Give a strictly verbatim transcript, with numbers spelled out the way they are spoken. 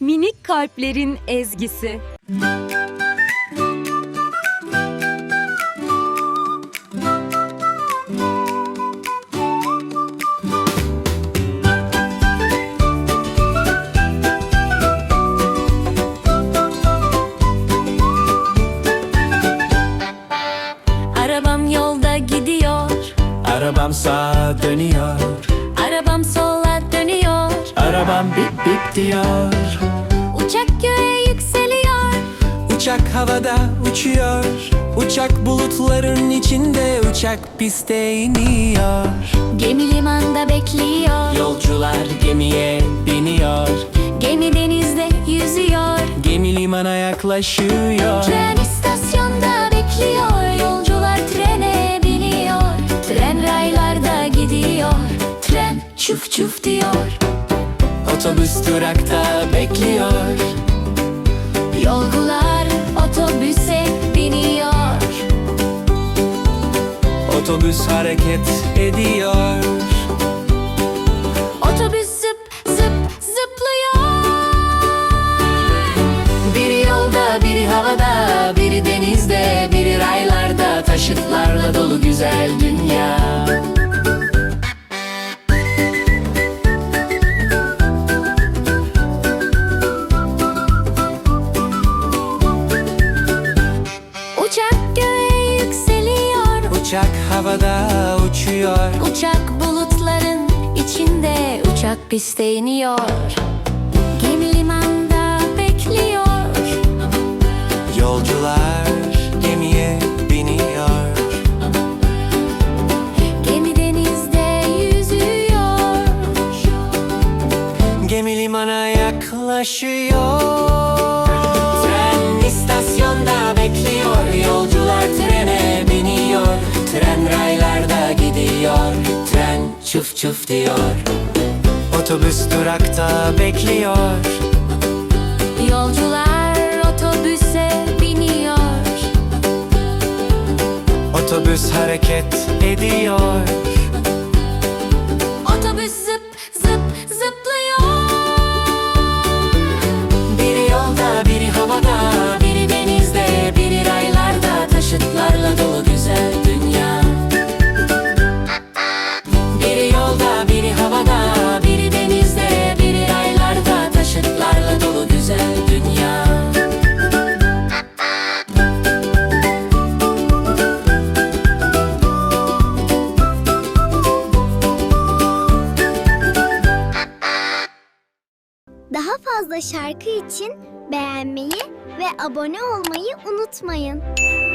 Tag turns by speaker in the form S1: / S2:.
S1: Minik kalplerin ezgisi.
S2: Arabam yolda gidiyor,
S3: Arabam sağa dönüyor,
S2: arabam sola dönüyor.
S3: arabam bip bip diyor.
S2: Uçak göğe yükseliyor,
S3: Uçak havada uçuyor, uçak bulutların içinde, uçak piste iniyor.
S2: gemi limanda bekliyor,
S3: Yolcular gemiye biniyor,
S2: gemi denizde yüzüyor.
S3: gemi limana yaklaşıyor.
S2: Tren istasyonda bekliyor, yolcular trene biniyor. Tren raylarda gidiyor, tren çuf çuf diyor.
S3: Otobüs durakta bekliyor,
S2: Yolcular otobüse biniyor.
S3: otobüs hareket ediyor.
S2: Otobüs zıp zıp zıplıyor. Biri yolda, biri havada, biri denizde, biri raylarda. Taşıtlarla dolu güzel dünya. Uçak göğe yükseliyor,
S3: Uçak havada uçuyor,
S2: uçak bulutların içinde, uçak piste iniyor. Gemi limanda bekliyor,
S3: yolcular gemiye biniyor.
S2: gemi denizde yüzüyor.
S3: Gemi limana yaklaşıyor. Tren istasyonda bekliyor, yolcular trene biniyor. Tren raylarda gidiyor, tren çuf çuf diyor. Otobüs durakta bekliyor,
S2: Yolcular otobüse biniyor.
S3: otobüs hareket ediyor.
S2: Otobüs zıp zıp zıplıyor.
S3: Biri yolda, biri havada, biri denizde, biri raylarda. Taşıtlarla dolu güzel dünya. Biri yolda, biri havada, biri denizde, biri raylarda. Taşıtlarla dolu güzel dünya.
S4: Daha fazla şarkı için beğenmeyi ve abone olmayı unutmayın.